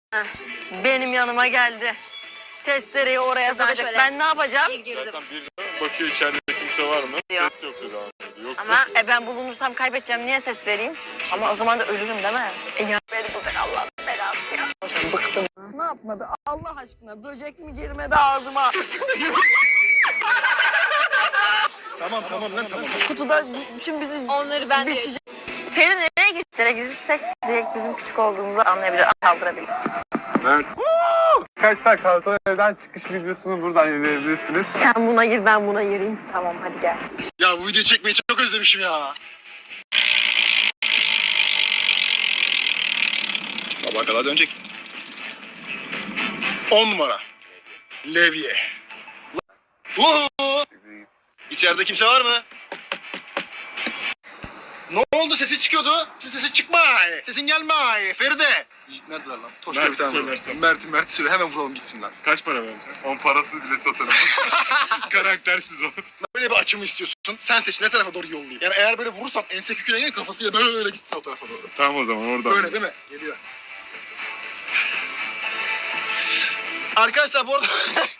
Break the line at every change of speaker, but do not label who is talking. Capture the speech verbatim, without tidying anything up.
Heh, benim yanıma geldi. Testereyi oraya sokacak.
şöyle
Ben ne yapacağım?
Bir girdim.
Zaten bir bakıyor içeride kimse var mı?
Yok.
Ses yok devam ediyor. Yoksa
Ama e, ben bulunursam kaybedeceğim. Niye ses vereyim? Ama o zaman da ölürüm değil mi? E, ya beni bulacak Allah'ın belası ya. Şimdi bıktım. Ne yapmadı? Allah aşkına böcek mi girmedi ağzıma?
Tamam tamam lan tamam.
Kutuda şimdi bizi
Onları ben de
biçecek. Peri nereye gittiğine girirsek direkt bizim küçük olduğumuzu anlayabilir, kaldırabilir.
Mert. Arkadaşlar Kartal Ev'den çıkış videosunu buradan izleyebilirsiniz.
Sen buna gir, ben buna gireyim. Tamam hadi gel.
Ya bu videoyu çekmeyi çok özlemişim ya. Sabaha kadar dönecek. On numara. Levye. Uhu. İçeride kimse var mı? Ne oldu? Sesi çıkıyordu. Şimdi sesi çıkma. Sesin gelme. Feride. Yiğit neredeler lan? Toşka
Mert
bir tane var.
söylersen.
Mert'i Mert'i söyle. Hemen vuralım gitsinler.
Kaç para vereceksin? On parasız bile satarım. Karaktersiz o.
Böyle bir açımı istiyorsun. Sen seç ne tarafa doğru yollayayım. Yani eğer böyle vurursam ense küküne gelir kafasıyla böyle gitsin o tarafa doğru.
Tamam o zaman oradan.
Böyle değil mi? Geliyor. Arkadaşlar bu arada